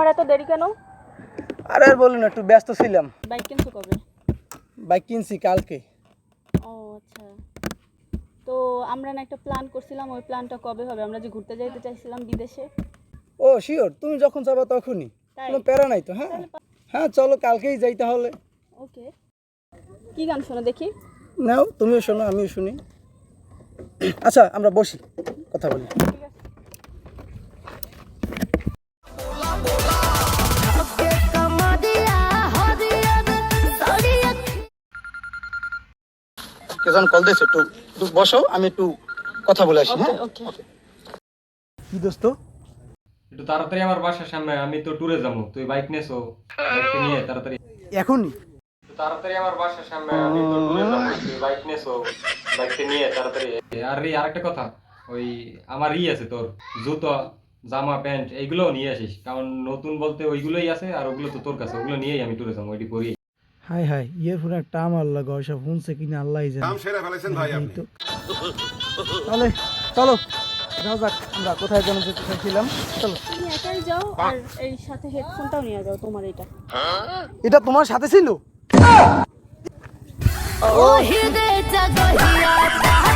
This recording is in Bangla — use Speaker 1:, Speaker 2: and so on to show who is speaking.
Speaker 1: এত দেরি কেন?
Speaker 2: আরে আর বলুন, একটু ব্যস্ত ছিলাম।
Speaker 1: বাইক কিনছো কবে?
Speaker 2: বাইক কিনছি কালকে।
Speaker 1: ও আচ্ছা, তো আমরা না একটা প্ল্যান করছিলাম, ওই প্ল্যানটা কবে হবে? আমরা যে ঘুরতে যাইতে চাইছিলাম বিদেশে।
Speaker 2: ও শিওর, তুমি যখন যাবা তখনই,
Speaker 1: তাই?
Speaker 2: কোনো প্যারা নাই তো। হ্যাঁ হ্যাঁ, চলো কালকেই যাই তাহলে।
Speaker 1: ওকে, কি গান শোনো দেখি?
Speaker 2: নাও, তুমিও শোনো আমিও শুনি। আচ্ছা আমরা বসি, কথা বলি।
Speaker 1: ঠিক আছে।
Speaker 2: কেজন কল দিয়েছে, একটু একটু বসো, আমি একটু কথা বলে আসি। হ্যাঁ
Speaker 1: ওকে।
Speaker 2: কি দোস্ত?
Speaker 3: একটু তাড়াতাড়ি আমার বাসার সামনে, আমি তো ট্যুরে যাবো, তুই বাইক নেছো, বাইকটা নিয়ে তাড়াতাড়ি।
Speaker 2: এখনই?
Speaker 3: একটু তাড়াতাড়ি আমার বাসার সামনে, আমি তো ট্যুরে যাবো, তুই বাইক নেছো, বাইকটা নিয়ে তাড়াতাড়ি। আর আরেকটা কথা, ওই আমার আছে তোর জুতো, জামা প্যান্ট এইগুলোও নিয়ে আসিস, কারণ নতুন বলতে ওইগুলোই আছে, আর ওগুলো তো তোর কাছে, ওগুলো নিয়েই আমি ট্যুরে যাবো, ওইটি পরি।
Speaker 2: হাই হাই, ইয়ারফোন একটা আমার লাগা, ওইসব শুনছে কিনা আল্লাহই জানে।
Speaker 4: নাম সেরা ফেলেছেন ভাই আপনি।
Speaker 2: তাহলে চলো যাও যাক, আমরা কোথায় যেন যেতে চাইছিলাম। চলো।
Speaker 1: তুমি একাই যাও, আর এই সাথে হেডফোনটাও নিয়ে যাও তোমার। এটা
Speaker 2: এটা তোমার সাথে ছিল?
Speaker 5: ও হৃদয় জাগহিয়া